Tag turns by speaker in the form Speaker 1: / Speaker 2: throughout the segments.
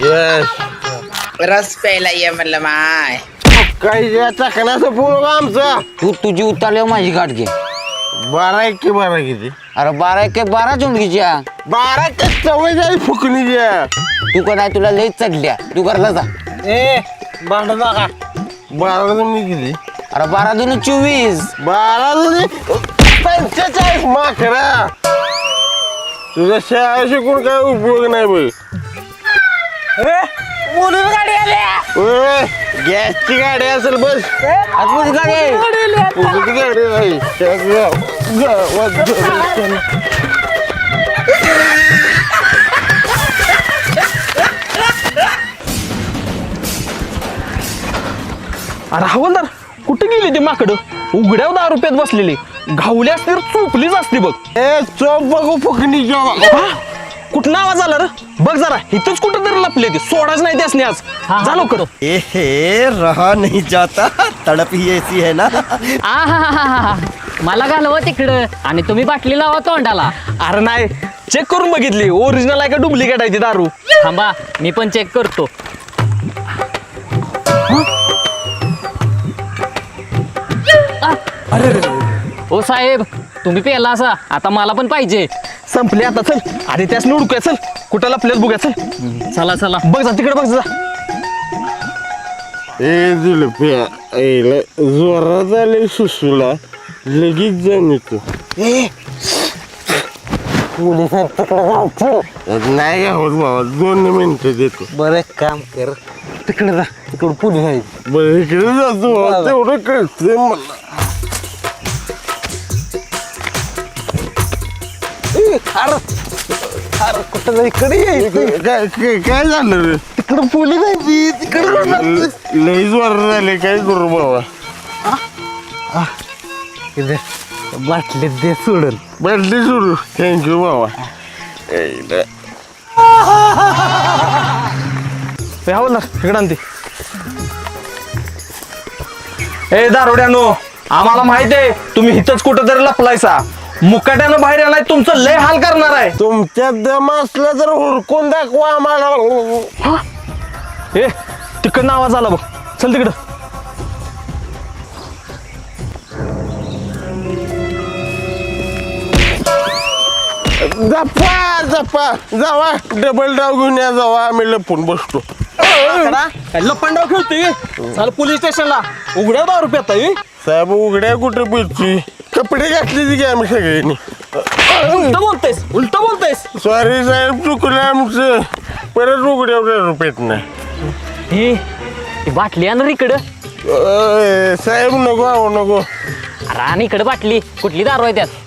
Speaker 1: रस प्यायला ये म्हणलं माय.
Speaker 2: काही चाकण्याचं पूर्ण आमचं.
Speaker 3: तू तुझी उतारल्यावर माझी गाठ घे.
Speaker 2: 12 किती?
Speaker 3: अरे 12 चुंडकीच्या
Speaker 2: 12 सवय जाईल फुकणीच्या.
Speaker 3: तू का नाही तुला लईच चढल्या. तू घरला जा.
Speaker 2: ए भांड नका. 12 किती?
Speaker 3: अरे 12 दून 24.
Speaker 2: 12 45 माकरा. तुझ्या शाळा शिकून काय उपयोग नाही बघ.
Speaker 1: बोलून गाडी आल्या.
Speaker 2: गॅसची गाडी असेल बस.
Speaker 3: आतमध्ये गाडी.
Speaker 2: तुझी गाडी नाही.
Speaker 4: अरे हवलदार कुठे गेली ती माकडं? उघड्यावर 10 रुपयात बसलेली. घावली असती तर चोपलीच असती बघ.
Speaker 2: ए चोप बघू फुकणीच्या.
Speaker 4: कुठं आवाज आला रे? बघ जरा इथंच कुठं तरी लपले ते. सोडाच नाही त्यासनी आज. जा लवकर.
Speaker 5: ए रहा नहीं जाता, तड़प ही ऐसी है ना.
Speaker 6: आहा मला घालवं तिकडं आणि तुम्ही बाटली लावा तोंडाला.
Speaker 4: अरे नाही चेक करून बघितली ओरिजिनल आहे का डुप्लिकेट आहे ती दारू.
Speaker 6: थांबा मी पण चेक करतो. ओ साहेब तुम्ही पेला असा आता मला पण पाहिजे.
Speaker 4: संपले आता चल. अरे त्यास उडकूया चल. कुठं लपल्यात बघूया चल.
Speaker 6: चला चला
Speaker 4: बघ जा तिकडे बघ जा.
Speaker 2: ए जुलप्या जोरात आले सुसूला लगेच जाऊन येतो. नाही होत बाबा 2 मिनिटं देतो.
Speaker 3: बरं काम कर. तिकडे जा. तिकडे पोलीस आहे.
Speaker 2: बरं इकडे जातो बाबा, तेवढं कळतंय मला.
Speaker 3: अरे कुठं इकडे यायचं.
Speaker 2: काय झालं रे?
Speaker 3: तिकडे पोलीस आहे. तिकडे
Speaker 2: लई जोरात झाले काय करू बाबा.
Speaker 3: बाटलीत दे सोडून.
Speaker 2: बदली सुरू. थँक्यू बाबा.
Speaker 4: हवलदार इकडे आणते. ए दारोड्यानो आम्हाला माहित आहे तुम्ही इथंच कुठं तरी लपलायसा. मुकाट्यानं बाहेर आलाय तुमचं लय हाल करणार आहे.
Speaker 2: तुमच्यात दम असलं तर हुडकून दाखवा आम्हाला.
Speaker 4: ए तिकडनं आवाज आला बघ. चल तिकडं.
Speaker 2: जपा जपा जावा डबल डाव घेऊन या. जावा आम्ही लपून बसतो.
Speaker 4: लपंडाव खेळतोय. चाल पोलीस स्टेशनला. उघड्या 10 रुपयात आहे.
Speaker 2: साहेब उघड्या कुठे पिरची कपडे घातले ती की आम्ही सगळ्यांनी.
Speaker 4: उलट बोलतेस.
Speaker 2: सॉरी साहेब चुकलं आमचं. परत उघड्या रुपयात नाही.
Speaker 6: ही बाटली आण इकडं.
Speaker 2: साहेब नको आहो नको.
Speaker 6: अरे आणि इकडं बाटली कुठली दारू आहे त्यात?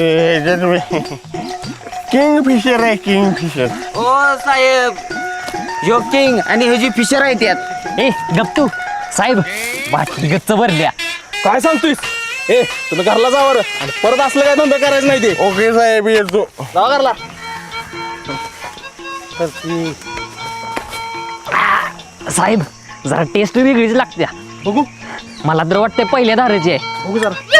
Speaker 2: किंग फिशर आहे किंग फिशर.
Speaker 3: ओ साहेब जोकिंग आणि ह्याची फिशर आहे त्यात.
Speaker 6: ए गप्तू साहेब बाटली गच्च भरल्या.
Speaker 4: काय सांगतोयस? ए तुम्ही घरला जावर आणि परत असलं काय धंदा करायचं नाही ते.
Speaker 2: ओके साहेब येतो.
Speaker 4: जावा घरला.
Speaker 6: साहेब जरा टेस्ट वेगळीच लागत्या.
Speaker 4: बघू
Speaker 6: मला तर वाटतंय पहिल्या दारूची आहे.
Speaker 4: बघू जरा.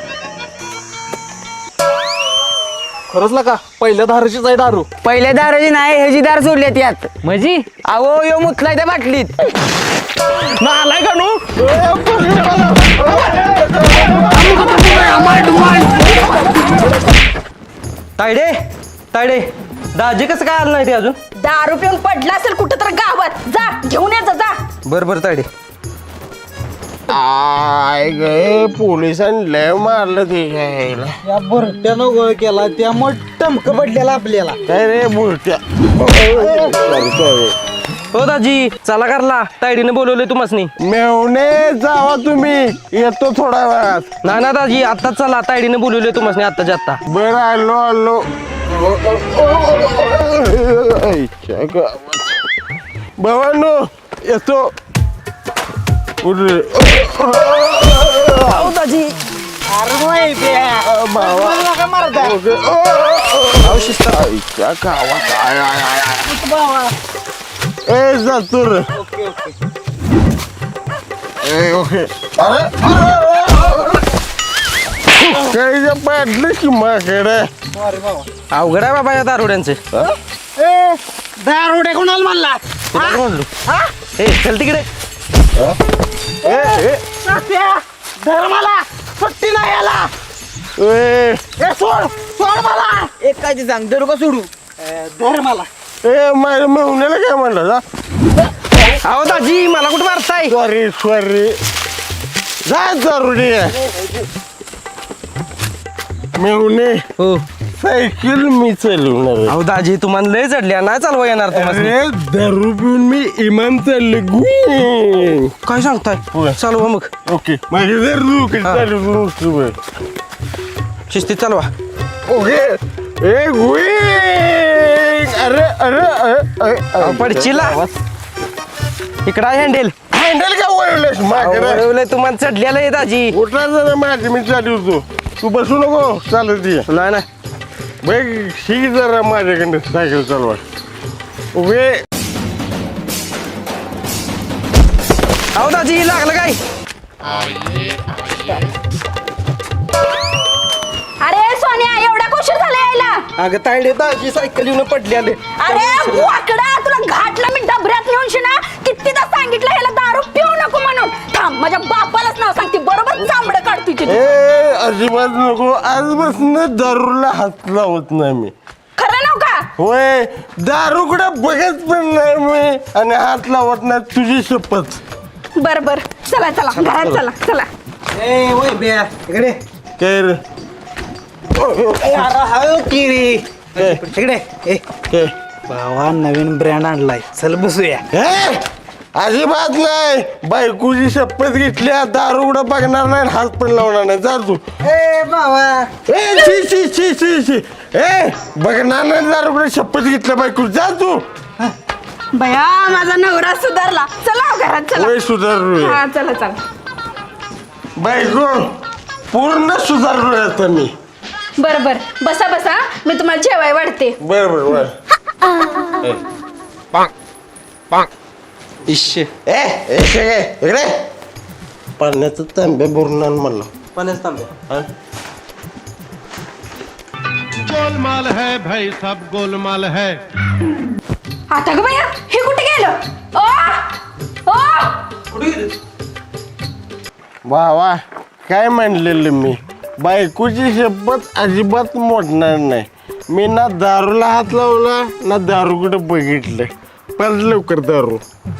Speaker 4: खरंच ना का पहिल्या धाराचीच आहे दारू.
Speaker 3: पहिल्या दाराची नाही ह्याची दार सोडली त्यात.
Speaker 6: म्हणजे
Speaker 3: अहो यो मुतलाय त्या बाटलीत.
Speaker 4: आलाय का नो? तायडे तायडे दाजी कसं काय आलं नाही ते अजून?
Speaker 7: दारू पिऊन पडला असेल कुठं तर गावात. जा घेऊन ये जा.
Speaker 4: बरं तायडे.
Speaker 2: आय गे पोलिसांनी लय मारलं ते घ्यायला.
Speaker 3: या बुरट्यानं गोळ केला त्यामुळे टमक पडलेला आपल्याला.
Speaker 2: काय रे बुरट्या.
Speaker 4: हो दाजी चला करला. तायडीने बोलवले तुम्हाला.
Speaker 2: मेवणे जावा तुम्ही येतो थोड्या वेळात.
Speaker 4: ना ना दाजी आत्ताच चला. तायडीने बोलवले तुम्हाला आत्ताच्या आत्ता.
Speaker 2: बरं आलो आलो. भावांनो येतो.
Speaker 4: दाजी
Speaker 2: ए जातो रे. ओके. काही पाडलं की माकडे.
Speaker 4: अवघड आहे बाबा या दारुड्यांचे.
Speaker 3: दारोडे कोणाला म्हणला?
Speaker 2: तुला म्हणलो
Speaker 4: ए चल तिकडे
Speaker 2: धर मला सुट्टी नाही याला सोड सोड मला
Speaker 3: एक काय ते सांग धरू का सोडू
Speaker 2: धर मला माझ्या मेहुण्याला काय म्हणलं जा
Speaker 4: अहो दाजी मला कुठं मारताय
Speaker 2: सॉरी सॉरी जा जरुरी मेहुणे
Speaker 4: हो
Speaker 2: सायकल मी चालवणार
Speaker 4: अहो दाजी तुम्हाला लय चढल्या नाही चालवा येणार तुम्हाला
Speaker 2: अरे दारू पिऊन मी इमान चालले गुई
Speaker 4: काय सांगताय चालवा मग
Speaker 2: ओके माझी जर तू चालू
Speaker 4: शिस्तीत चालवा
Speaker 2: ओके ए गुई अरे अरे अरे
Speaker 4: पडचिला इकडा हँडेल
Speaker 2: हँडल का वळवलंस माझ्याकडे
Speaker 4: तुम्हाला चढलेलं आहे दाजी
Speaker 2: उठला जरा माझी मी चालू होतो तू बसू नको चालत ये
Speaker 4: नाही ना
Speaker 2: बघ शिक जरा माझ्याकडे सायकल चालवा उभे
Speaker 4: अहो दाजी लागलं काय
Speaker 7: अरे सोन्या एवढा कुशीर झाला यायला
Speaker 4: अगं तायडे दाजी सायकल येऊन पडली आले
Speaker 7: अरे वाकडा तुला घाटला मी डबऱ्यात नेऊन शिना कितीदा सांगितलं ह्याला दारू पिऊ नको म्हणून थांब माझ्या बापालाच नाव सांगते बरोबर चांबडं काढ तुझी
Speaker 2: ए अजिबात नको आजपासून दारूला हात लावत नाही मी
Speaker 7: खरं नाव का
Speaker 2: होय दारूकडे बघत पण नाही मी आणि हात लावत नाही तुझी शपथ
Speaker 7: बर बर चला चला घरात चला चला
Speaker 3: ए वय बे इकडे
Speaker 2: काय रे
Speaker 3: इकडे ए
Speaker 2: काय
Speaker 3: भावा नवीन ब्रँड आणलाय चल बसूया
Speaker 2: हे? अजिबात नाही बायकोची शपथ घेतल्या दारूकडे बघणार नाही हात पण लावणार नाही जा तू
Speaker 3: ए भावा
Speaker 2: ए शी शी शी शी शी ए बघणार नाही दारूकडे शपथ घेतल्या बायको जा तू
Speaker 7: बया माझा नवरा सुधारला चला घरात चला
Speaker 2: वय सुधारू
Speaker 7: हा चला चला
Speaker 2: बायको पूर्ण सुधारलोय आता मी
Speaker 7: बर बर बसा बसा मी तुम्हाला जेवाय वाढते
Speaker 2: बर बर बर
Speaker 4: इश्य
Speaker 2: ए इकडे पाण्याचं तांब्या भरून आण मला
Speaker 4: पाण्याच तांब्या
Speaker 8: गोलमाल है भाई सब गोलमाल है
Speaker 7: आता ग बया हे कुठे गेलं ओ
Speaker 2: वा वा काय म्हणलेलं मी बायकोची शपथ अजिबात मोडणार नाही मी ना दारूला हात लावला ना दारूकडे बघितलं पण लवकर दारू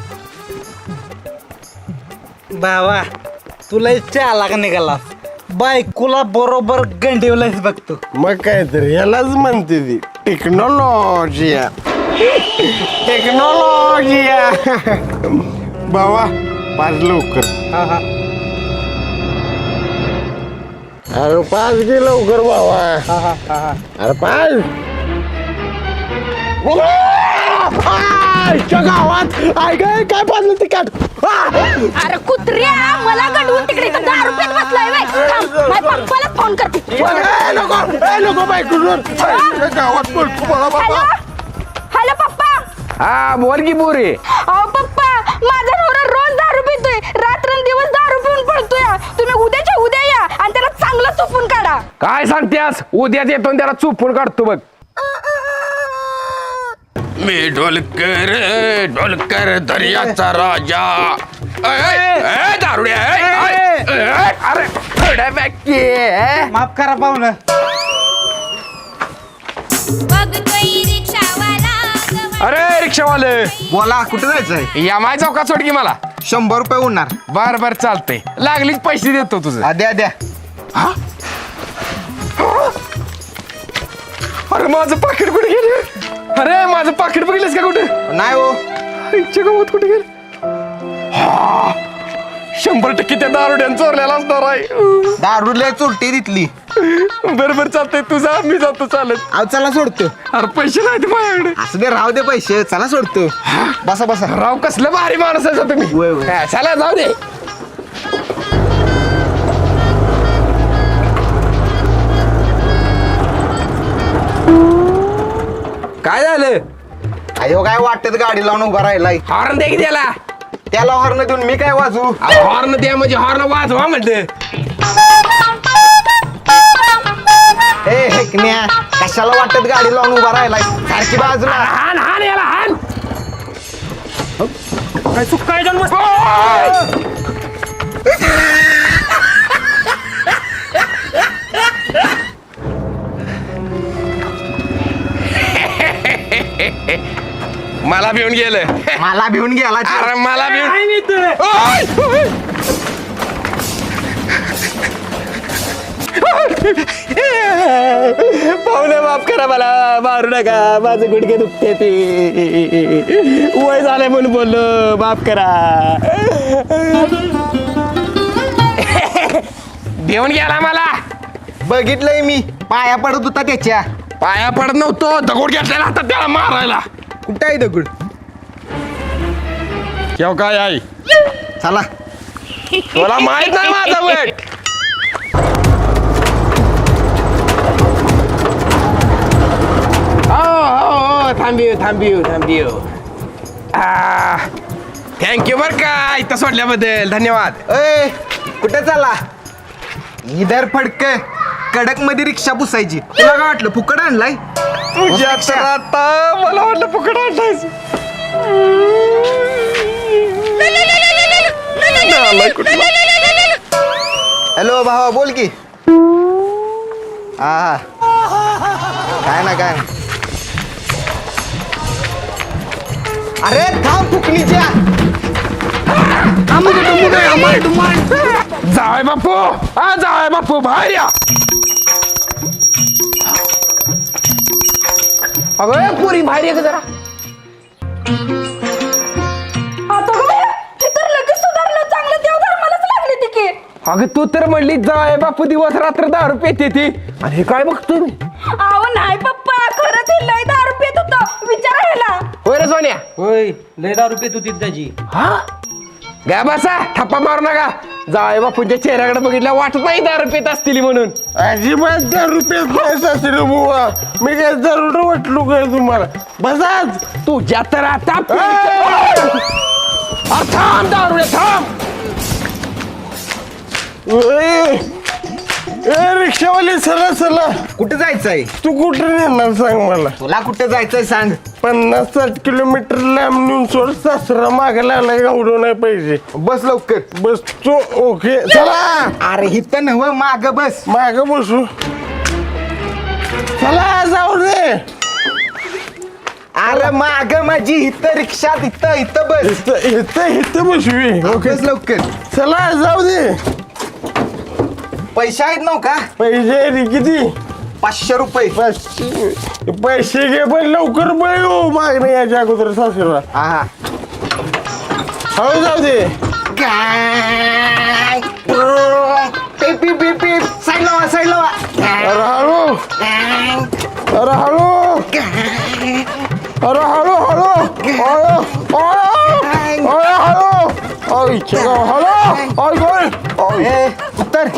Speaker 3: भावा तुला चाला का निघाला बायकोला बरोबर गंडीवलाच बघतो
Speaker 2: मग काय तर यालाच म्हणते ती टेक्नॉलॉजिया टेक्नॉलॉजिया बाबा पाच लवकर
Speaker 3: हा हा
Speaker 2: अरे पाच गे लवकर बाबा
Speaker 3: हा हा हा हा
Speaker 2: अरे पाच गावात ऐक काय पाजलं ते काढ
Speaker 7: अरे कुत्र्या मला गडवून तिकडे इथं दारू पीत बसलाय बाई थांब, माझ्या पप्पाला फोन करते
Speaker 2: नको बायको गावात बोलतो मला
Speaker 7: हॅलो
Speaker 2: बाबा
Speaker 7: हॅलो पप्पा
Speaker 4: हा बोल की बोरे
Speaker 7: अहो पप्पा माझा नवरा रोज दारू पितोय रात्रंदिवस दारू पिऊन पडतोय तुम्ही उद्याच्या उद्या या आणि त्याला चांगलं चुपून काढा
Speaker 4: काय सांगतेस उद्याच येतो आणि त्याला चुपून काढतो बघ
Speaker 2: मी ढोलकर दर्याचा राजा दारुड्या
Speaker 4: अरे
Speaker 3: माफ करा पाहुणं
Speaker 4: अरे रिक्षावाले
Speaker 5: बोला कुठे जायचंय
Speaker 4: या माय चौकात सोड की मला
Speaker 5: 100 रुपये उडणार
Speaker 4: बर बर चालतंय लागलीच पैसे देतो तुझं
Speaker 5: द्या द्या
Speaker 4: अरे माझं पाकिट कुठे गेलं अरे माझं पाकिट बघितलंस का कुठे
Speaker 5: नाही हो
Speaker 4: इच्छा गावात कुठे गेलं 100% त्या दारुड्यानं चोरलेला असणार आहे
Speaker 5: दारू लय चोरटी तिथली
Speaker 4: बरोबर चालतंय तुझा मी जातो चालत
Speaker 5: अहो चला सोडतो
Speaker 4: अरे पैसे नाहीत माझ्याकडे
Speaker 5: असं दे राहू दे पैसे चला सोडतो बसा बसा
Speaker 4: राव कसलं भारी माणूस आहे तुम्ही
Speaker 5: वय, वय.
Speaker 4: हा, चला जाऊ दे काय झालं
Speaker 5: अयो काय वाटत गाडी लावून उभा राहिलाय
Speaker 4: हॉर्न दे की त्याला
Speaker 5: त्याला हॉर्न देऊन मी काय वाजू
Speaker 4: हॉर्न द्या म्हणजे हॉर्न वाजवा म्हणलं
Speaker 5: ए हेकण्या कशाला वाटत गाडी लावून उभा राहिलाय सारखी बाजूला
Speaker 4: हान हान याला हान
Speaker 3: काय चुक काय जन्म
Speaker 4: मला भिवून गेलं.
Speaker 5: मला भिवून गेला
Speaker 4: अरे मला भिवून
Speaker 5: पाहुणे माफ करा मला मारू नका माझे गुडघे दुखते ते वय झालंय म्हणून बोललो माफ करा.
Speaker 4: भिवून गेला मला.
Speaker 5: बघितलंय मी पाया पडत होता त्याच्या.
Speaker 4: पाया पडत नव्हतो, दगड घेतलेला हातात त्याला मारायला.
Speaker 5: कुठं आहे दगड?
Speaker 4: केव काय आई,
Speaker 5: चला
Speaker 4: तुला माहित नाही माझा वेट. थांबियो. थँक्यू बर का इथं सोडल्याबद्दल, धन्यवाद.
Speaker 5: ए कुठे चाला? इधर फडक कडक मध्ये रिक्षा पुसायची. तुला काय वाटलं फुकट आणलाय?
Speaker 4: तुझ्या तर आता मला वाटलं फुकट आणलायस.
Speaker 5: हॅलो भावा बोल की. हा काय ना काय. अरे थांब फुकणीच्या.
Speaker 4: जाय बापू, हा जाय बापू बाहेर या. अगं पुरी बाहेर ये जरा.
Speaker 7: आता काय हे तर लगेच सुधारलं. चांगलं देव धर्मालाच लागली ती की.
Speaker 4: अगं तू तर म्हणली जाय बापू दिवस रात्र दारू पेते ती, आणि हे काय बघतोय मी.
Speaker 7: अहो नाही पप्पा, खरंच हे लय दारू पित होतं. विचारा ह्याला.
Speaker 4: होय रे सोन्या.
Speaker 3: होय लय दारू पित होती त्याची.
Speaker 4: हा गा बसा, थप्पा मारू नका. जाय बापूंच्या चेहऱ्याकडे बघितल्या वाटत नाही दारू पेत असतील म्हणून.
Speaker 2: अजिबात 10 रुपये नाही सासरे बुवा. मी काय दारू वाटलो काय तुम्हाला? बसाच.
Speaker 4: तुझ्या तर आता थांब दारू थांब.
Speaker 2: रिक्षावाले चला चला.
Speaker 5: कुठे जायचंय?
Speaker 2: तू कुठे नेणार सांग मला?
Speaker 5: तुला कुठे जायचंय सांग.
Speaker 2: 50-60 किलोमीटर लांब नेऊन सोड. सासरा मागायला आलाय गावडो नाही पाहिजे.
Speaker 5: बस लवकर.
Speaker 2: बस तू ओके चला.
Speaker 5: अरे हिथं नव माग बस.
Speaker 2: माग बसू. चला जाऊ दे.
Speaker 5: अरे माग माझी हिथं रिक्षा इथं बस.
Speaker 2: इथं बसवी. ओके
Speaker 5: बस लवकर.
Speaker 2: चला जाऊ दे.
Speaker 5: पैसे आहेत नव का?
Speaker 2: पैसे रे किती?
Speaker 5: 500 रुपये.
Speaker 2: पैसे घे पण लवकर बळ हो. मागणे याच्या अगोदर सासरा.
Speaker 5: हा
Speaker 2: हो जाऊ दे.
Speaker 5: काय पीप पीप पीप पीप. साईड लावा साईड लावा.
Speaker 2: अरे हळू. अरे हळू. अरे हळू हळू.
Speaker 5: उत्तर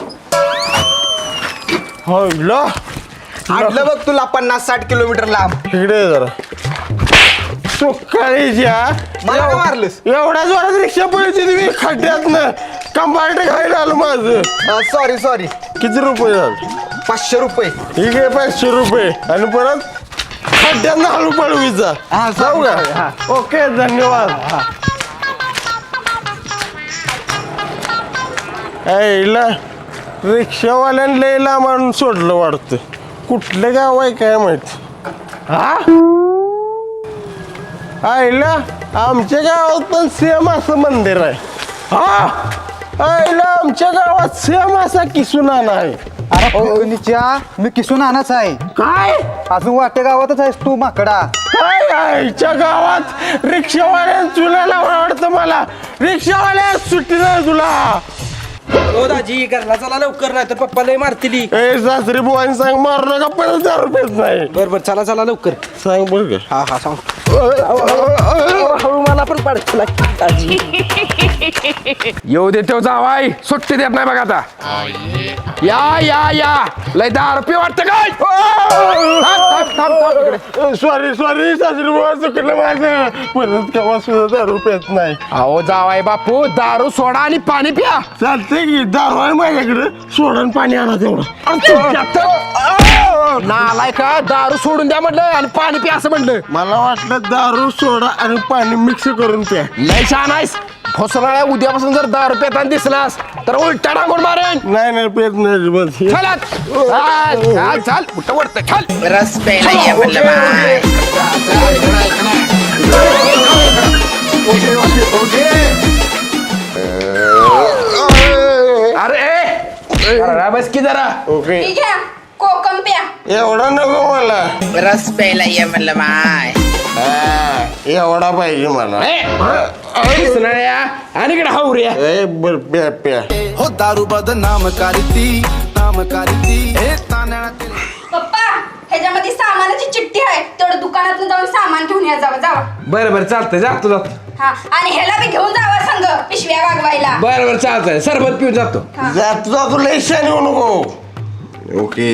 Speaker 5: आणलं बघ तुला 50-60 किलोमीटर लांब.
Speaker 2: इकडे जरा सुकाळीच्या
Speaker 5: मला का मारलंस?
Speaker 2: एवढ्या जोरात रिक्षा पळती तुम्ही खड्ड्यात ना. कंपार्ट खायला आलं माझं.
Speaker 5: सॉरी
Speaker 2: किती रुपये झाले?
Speaker 5: 500 रुपये.
Speaker 2: ठीक आहे 500 रुपये. आणि परत खड्ड्यांना हळू पळवीचा.
Speaker 5: हा,
Speaker 2: जाऊ
Speaker 5: sorry.
Speaker 2: का? ओके धन्यवाद. ऐला रिक्षावाल्यानं लय लांब आणून सोडलं वाटतं. कुठलं गाव आहे काय माहिती. आईला आमच्या गावात पण सेम असं मंदिर आहे. आईला आमच्या गावात सेम असा किसुनाना आहे.
Speaker 5: मी किसून आणाच आहे.
Speaker 2: काय
Speaker 5: अजून वाटे गावातच आहेस तू माकडा.
Speaker 2: काय आईच्या गावात रिक्षावाल्या चुलाला आवडतं मला. रिक्षावाल्या सुट्टी नाही तुला.
Speaker 3: हो दाजी घरला चला लवकर, नाही तर पप्पा लय मारतील.
Speaker 2: ए सासरी बुवानी सांग मारू नका. 50 रुपयेच नाही.
Speaker 3: बर चला लवकर.
Speaker 2: सांग बघ.
Speaker 3: हा सांग. हळू मला पण पाडतो दाजी.
Speaker 4: येऊ दे तेव जावाय, सुट्टी देत नाही बघा आता. या लय दारू पे वाटतं काय.
Speaker 2: सॉरी सासरी बुवा चुकलं माझं. परत केव्हा सुद्धा 10 रुपयेच नाही.
Speaker 4: अहो जावाय बापू दारू सोडा आणि पाणी प्या.
Speaker 2: चालतंय की दारू आहे माझ्याकडे. सोडून पाणी आणा तेवढं.
Speaker 5: नालाय का दारू सोडून द्या म्हटलं आणि पाणी प्या असं म्हटलं.
Speaker 2: मला वाटलं दारू सोडा आणि पाणी मिक्स करून प्या.
Speaker 5: लय छान आहेस. भोसनाळ्या उद्यापासून जर दारू पेताना दिसलास तर उलटा टाकून मारेन.
Speaker 2: नाही पेत नाही बस.
Speaker 5: चल चाल कुठं वरतं चल.
Speaker 1: रस प्यायला ये म्हणलं माय.
Speaker 5: अरे बस की जरा.
Speaker 2: ओके
Speaker 7: घ्या कोकम प्या.
Speaker 2: एवढा नको मला.
Speaker 1: रस प्यायला ये म्हणलं माय.
Speaker 2: एवढा पाहिजे मला.
Speaker 5: भोसनाळ्या आणि इकडे हावऱ्या.
Speaker 2: बर प्या प्या.
Speaker 9: हो दारू बदनाम करती नाम करती हे तांदळातील.
Speaker 7: पप्पा ह्याच्यामध्ये सामानाची चिठ्ठी आहे, तेवढं दुकानात जाऊन सामान घेऊन या. जावा.
Speaker 5: बरं चालतंय जातो.
Speaker 7: हा आणि ह्याला बी घेऊन जावा संग पिशव्या वागवायला.
Speaker 5: बरं चालतंय. सरबत पिऊन जातो.
Speaker 2: जातो लय शान येऊ नको. ओके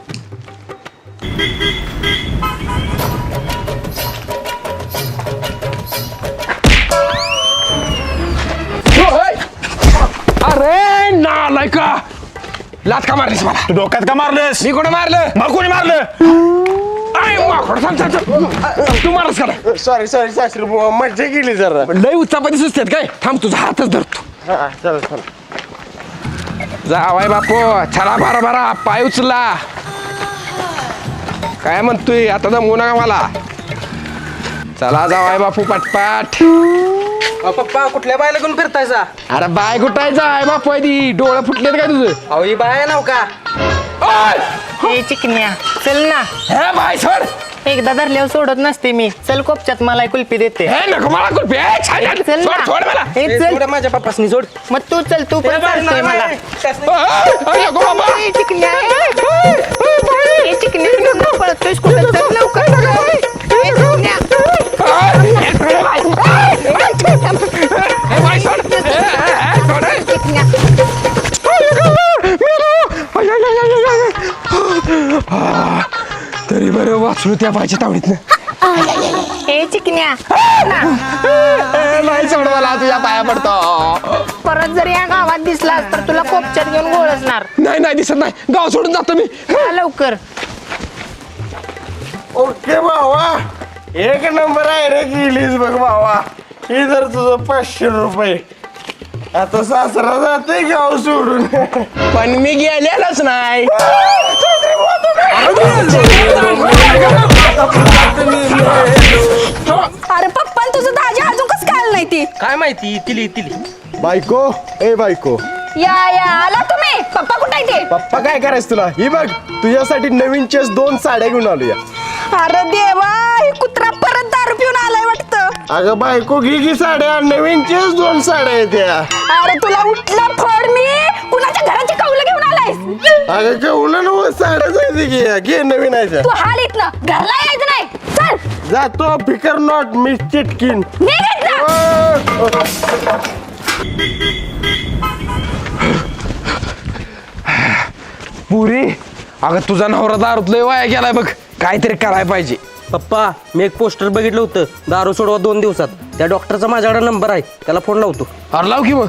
Speaker 5: अरे नालाय का लात का मारलीस मला.
Speaker 4: तू डोक्यात का मारलंस?
Speaker 5: मी कोणी मारलं?
Speaker 4: मग कोणी मारलं?
Speaker 5: तू मारस का नाही?
Speaker 2: सॉरी सासरी बुवा मज्जा केली जरा.
Speaker 5: लय उत्सापाती सुचतात काय. थांब तुझा हातच धरतो.
Speaker 2: हा चल
Speaker 5: जावाय बापू चला भरा पाय उचला. काय म्हणतोय आता दमवू नका मला. चला जावाय बापू पटपाट.
Speaker 3: पप्पा कुठल्या बायला घेऊन फिरतायचा?
Speaker 5: अरे बाय कुठायचा आहे बापू ती डोळं फुटलेत काय तुझं?
Speaker 3: अहो ही बाय नाव का?
Speaker 6: हे चिकन्या चल ना,
Speaker 5: हे बाय सोड.
Speaker 6: एकदा धरल्यावर सोडत नसते मी. चल कोपच्यात मला कुल्फी देते.
Speaker 5: हे नको मला कुल्फी.
Speaker 6: चल ना.
Speaker 5: सोड मला.
Speaker 6: हे चल.
Speaker 3: सोड माझ्या पप्पासनी सोड.
Speaker 6: मग तू चल, तू पण चालतोय मला.
Speaker 5: नको बाबा.
Speaker 6: हे चिकन्या हे चिकन्या नको पळतोयस कुठं. चल लवकर. हे चिकन्या.
Speaker 5: तरी बरं वाचलो त्या बायच्या तावडीतनं.
Speaker 6: हे चिकन्या
Speaker 5: नाही सोड मला तुझ्या पाया पडतो.
Speaker 6: परत जर या गावात दिसलास तर तुला कोपच्यात घेऊन गोळसणार.
Speaker 5: नाही दिसत नाही. गाव सोडून जातो मी.
Speaker 6: जा लवकर.
Speaker 2: ओके भावा एक नंबर आहे रे गेलीस बघ भावा. हे जर तुझं 500 रुपये. आता सासरा जाते गाव सोडून.
Speaker 5: पण मी गेलेलाच नाही.
Speaker 7: अरे पप्पा तुझं दाजी अजून कसं काय नाही ती.
Speaker 3: काय माहिती तिली.
Speaker 2: बायको ए बायको.
Speaker 7: या आला तुम्ही. पप्पा कुठे आहे ते?
Speaker 2: पप्पा काय करायचं तुला. ही बघ तुझ्यासाठी नवीन चेस 2 साड्या घेऊन आलो या.
Speaker 7: अरे देवा ही कुत्रा परत दारू पिऊन आलाय वाटतं.
Speaker 2: अगं बायको घे साड्या. नवीन चेस 2 साड्या येत्या.
Speaker 7: अरे तुला उठला फड मी. कुणाच्या घराची कौलं घेऊन आलायस?
Speaker 2: अगं केवढं ना साड्या जायचं घे नवीन आहे.
Speaker 7: तू हाल इथनं घरला यायचं नाही. चल
Speaker 2: जातो फिकर नॉट मी चिटकीन.
Speaker 7: निघ इथनं.
Speaker 5: पुरी अगं तुझा नवरा दारूत लय वाया गेलाय बघ. काहीतरी करायला पाहिजे.
Speaker 3: पप्पा मी एक पोस्टर बघितलं होतं, दारू सोडवा 2 दिवसात. त्या डॉक्टरचा माझ्याकडे नंबर आहे, त्याला फोन लावतो.
Speaker 5: अरे लाव की मग.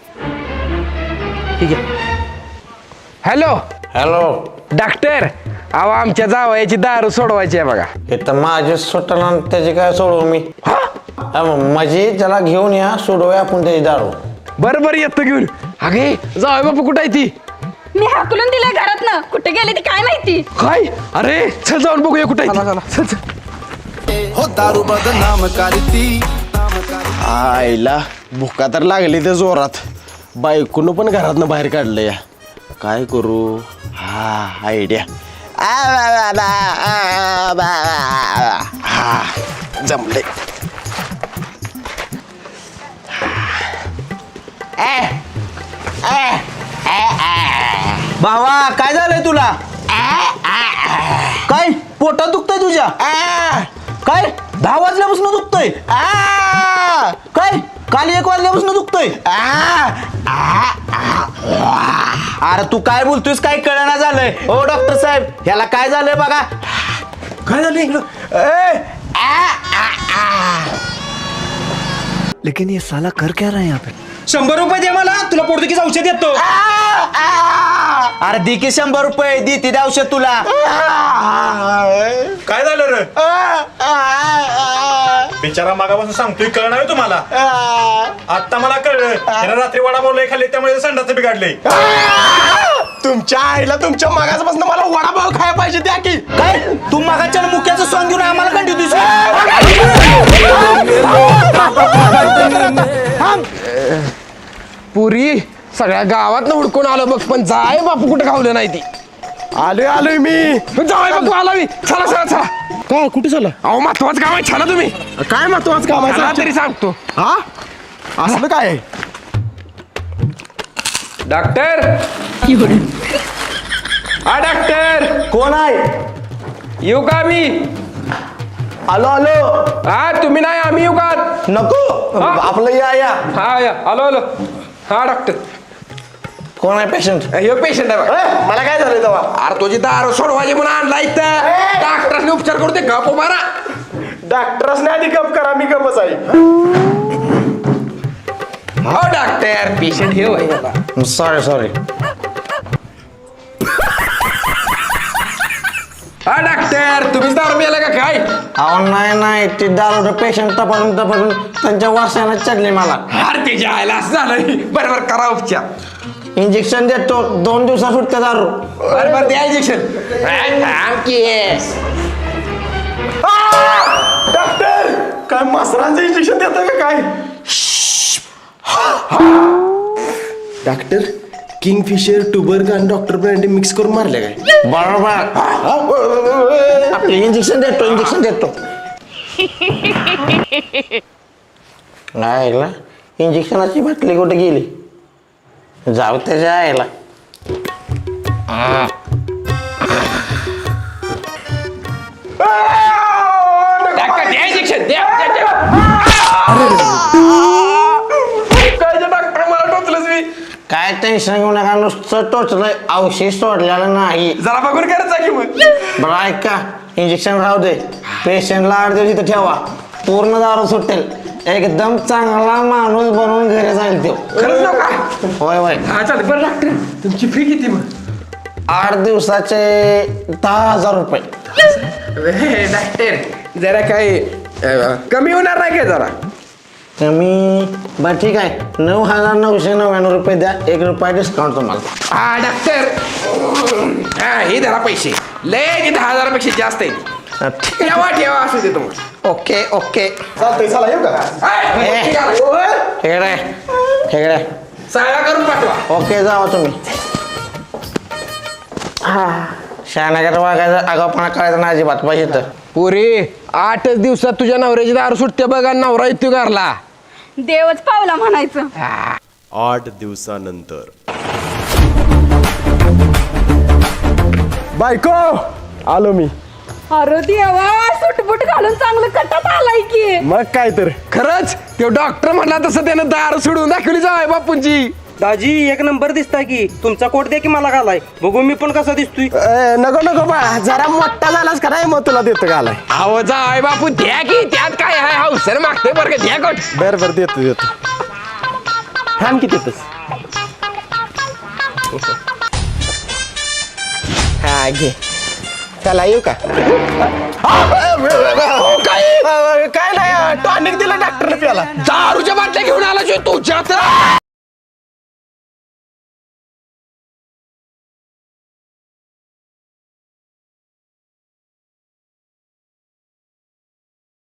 Speaker 3: ठीक आहे.
Speaker 5: Hello
Speaker 2: hello
Speaker 5: doctor. अहो आमच्या जावयाची दारू सोडवायची आहे बघा.
Speaker 10: हे तर माझे सुटला त्याची काय सोडवू मी. माझी त्याला घेऊन या सोडवूया आपण त्याची दारू.
Speaker 5: बरं येतो घेऊन. अगे जावय बापू कुठं आहे ती?
Speaker 7: मी हाकलून दिलंय घरातनं. कुठे गेले ती काय माहिती.
Speaker 5: काय अरे चल जाऊन बघूया कुठे चल.
Speaker 9: हो दारू बदनाम करती.
Speaker 2: आईला भुका तर लागली ते जोरात. बायकोनं पण घरातनं बाहेर काढलं या. काय करू. हा आयडिया. हा जमले.
Speaker 3: भावा काय झालंय तुला? काय पोटात दुखतंय तुझ्या? काय 10 वाजल्यापासून दुखतोय? काय काल 1 वाजल्यापासून दुखतोय? अरे तू काय बोलतोयस काय कळना झालंय. ओ डॉक्टर साहेब ह्याला काय झालंय बघा. काय झालंय इकडं? लेकिन ये साला कर क्या रहा है यहाँ पे?
Speaker 5: 100 रुपये दे मला, तुला पोर्तुगीज औषध देतो.
Speaker 3: अरे दी की 100 रुपये दी ती औषध तुला.
Speaker 4: काय झालं रे बिचारा मागापासून सांगतोय कळ नाही तुम्हाला. आता मला कळलं त्याला रात्री वडा बोलले खाल्ले त्यामुळे संडाचं बिघडले.
Speaker 2: तुमच्या आईला तुमच्या मागासपासून मला वडापाव खायला पाहिजे द्या की.
Speaker 3: काय तू मागाच्या मुक्याचं सॉंग घेऊन आम्हाला कंटिन्यू
Speaker 5: पुरी सगळ्या गावात हुडकून आलो बघ, पण जाय बापू कुठे खावलं नाही ती.
Speaker 2: आलोय मी.
Speaker 5: जाय बापू आला मी. चला चला चला.
Speaker 2: काय कुठे झालं?
Speaker 5: अहो महत्वाचं काम आहे, छाना तुम्ही.
Speaker 2: काय महत्वाचं काम
Speaker 5: चला
Speaker 2: आहे
Speaker 5: तरी सांगतो.
Speaker 2: हा असलं काय आहे?
Speaker 5: डॉक्टर हा डॉक्टर
Speaker 3: कोण आहे?
Speaker 5: येऊ का मी?
Speaker 3: आलो आलो.
Speaker 5: हा तुम्ही नाही आम्ही येऊ का?
Speaker 3: नको
Speaker 5: हा?
Speaker 3: आपलं या.
Speaker 5: हा या आलो आलो. हा डॉक्टर
Speaker 3: कोण आहे पेशंट?
Speaker 5: हे पेशंट आहे बघा.
Speaker 2: मला काय झालं तेव्हा?
Speaker 5: अरे तुझी दारू सोडवायची म्हणून आणला इथं. डॉक्टरने उपचार करू दे गप मारा.
Speaker 2: डॉक्टरसने आधी गप करा, मी गपच आहे.
Speaker 5: हो डॉक्टर पेशंट हे होय.
Speaker 3: सॉरी.
Speaker 5: हा डॉक्टर तुम्हीच दारू प्यायला का काय?
Speaker 3: अहो नाही ते दारू पेशंट तपासून त्यांच्या वासाने चढले मला.
Speaker 5: अरे ते जायला असं झालं. बरोबर करा उपचार.
Speaker 3: इंजेक्शन देतो 2 दिवसात सुटते दारू.
Speaker 5: बरोबर द्या इंजेक्शन.
Speaker 2: डॉक्टर काय मसरांचं इंजेक्शन देतं का काय? डॉक्टर किंगफिशर टुबर्ग आणि डॉक्टर ब्रँडी मिक्स करून मारले काय?
Speaker 3: बरोबर. आपले इंजेक्शन देतो. नाही ऐकला इंजेक्शनाची बाटली कुठे गेली? जाऊ त्याच्या आईला.
Speaker 5: डॉक्टर द्या इंजेक्शन द्या. काय डॉक्टर मला टोचलंच मी.
Speaker 3: काय टेन्शन घेऊ नका, नुसतं टोचलंय, औषध सोडलेलं नाही.
Speaker 5: जरा बघून करायचा की मग.
Speaker 3: बरं ऐका इंजेक्शन राहू दे. पेशंटला 8 दिवस इथं ठेवा, पूर्ण दारू सुटेल. एकदम चांगला माणूस बनवून घरी जाईल तो.
Speaker 5: खरंच नाव काय?
Speaker 3: होय
Speaker 5: हा चालेल. बरं डॉक्टर तुमची फी किती मग?
Speaker 3: 8 दिवसाचे 10,000 रुपये.
Speaker 5: डॉक्टर जरा काही कमी होणार नाही काय जरा?
Speaker 3: कमी बरं ठीक आहे, 9,999 रुपये द्या, 1 रुपया डिस्काउंट तुम्हाला.
Speaker 5: हा डॉक्टर हा हे धरा पैसे. लय 10,000पेक्षा जास्त आहे. ठेवा असू दे तुम्हाला.
Speaker 3: ओके
Speaker 2: चालतंय, चला येऊ का?
Speaker 3: हेकडे
Speaker 5: सगळा करून पाठवा.
Speaker 3: ओके जावा तुम्ही. शहानगर वागायचं, आगाऊपणा करायचं नाही अजिबात पाहिजे तर.
Speaker 5: पुरे 8 दिवसात तुझ्या नवऱ्याची दारू सुटते बघा. नवरा येतो घरला.
Speaker 7: देवच पावला म्हणायचं.
Speaker 11: 8 दिवसानंतर.
Speaker 2: बायको आलो मी.
Speaker 7: अरे देवा सुटबुट घालून चांगलं कटात आलाय की.
Speaker 2: मग काय तर.
Speaker 5: खरंच तो डॉक्टर म्हणला तसं त्यानं दारू सोडून दाखवली जाय बापूंची.
Speaker 12: दाजी 1 नंबर दिसताय की. तुमचा कोट द्या की मला घालाय बघू मी पण कसा दिसतोय.
Speaker 2: नको बा, जरा मोठा झालास का नाही, मग तुला देतो घालाय.
Speaker 5: अहो जाय बापू द्या की. त्यात काय आहे हौसर मागते बरं का. द्या कोट.
Speaker 2: बरं देतो. थांब की देतोस. हा घे. चला येऊ का? काय नाही, टॉनिक दिलं डॉक्टरने प्याला.
Speaker 5: दारूच्या बाटल्या घेऊन आला तुझ्या तर